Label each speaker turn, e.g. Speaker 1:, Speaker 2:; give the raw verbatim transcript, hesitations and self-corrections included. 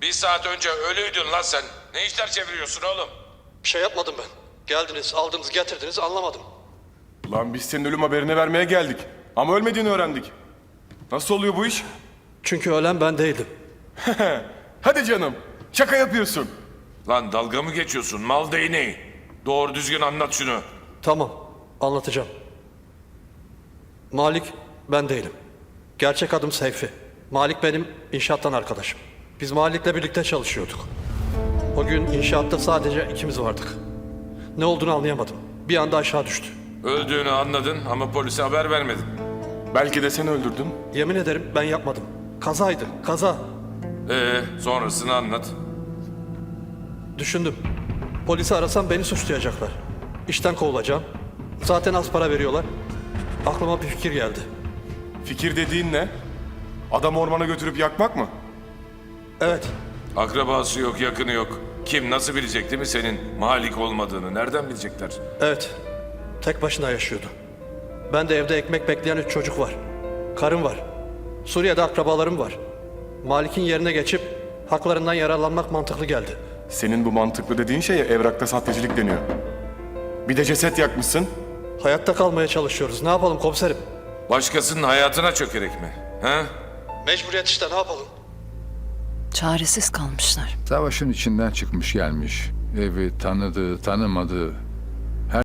Speaker 1: Bir saat önce ölüydün lan sen. Ne işler çeviriyorsun oğlum?
Speaker 2: Bir şey yapmadım ben. Geldiniz, aldınız, getirdiniz, anlamadım.
Speaker 3: Lan biz senin ölüm haberini vermeye geldik. Ama ölmediğini öğrendik. Nasıl oluyor bu iş?
Speaker 2: Çünkü ölen ben değildim.
Speaker 3: Hadi canım. Şaka yapıyorsun.
Speaker 1: Lan dalga mı geçiyorsun mal değneği? Doğru düzgün anlat şunu.
Speaker 2: Tamam, anlatacağım. Malik ben değilim. Gerçek adım Seyfi. Malik benim inşaattan arkadaşım. Biz Malik'le birlikte çalışıyorduk. O gün inşaatta sadece ikimiz vardık. Ne olduğunu anlayamadım. Bir anda aşağı düştü.
Speaker 1: Öldüğünü anladın ama polise haber vermedin.
Speaker 3: Belki de seni öldürdüm.
Speaker 2: Yemin ederim ben yapmadım. Kazaydı, kaza.
Speaker 1: Ee, sonrasını anlat.
Speaker 2: Düşündüm. Polisi arasam beni suçlayacaklar. İşten kovulacağım. Zaten az para veriyorlar. Aklıma bir fikir geldi.
Speaker 3: Fikir dediğin ne? Adam ormana götürüp yakmak mı?
Speaker 2: Evet,
Speaker 1: Akrabası yok, yakını yok. Kim nasıl bilecek değil mi senin Malik olmadığını? Nereden bilecekler?
Speaker 2: evet. Tek başına yaşıyordu. Ben de evde ekmek bekleyen üç çocuk var. Karım var. Suriye'de akrabalarım var. Malik'in yerine geçip haklarından yararlanmak mantıklı geldi.
Speaker 3: Senin bu mantıklı dediğin şeye evrakta sahtecilik deniyor. Bir de ceset yakmışsın.
Speaker 2: Hayatta kalmaya çalışıyoruz. Ne yapalım komiserim?
Speaker 1: Başkasının hayatına çökerek mi? He?
Speaker 2: Mecburiyet işte, ne yapalım?
Speaker 4: Çaresiz kalmışlar.
Speaker 5: Savaşın içinden çıkmış gelmiş. Evi tanıdığı, tanımadığı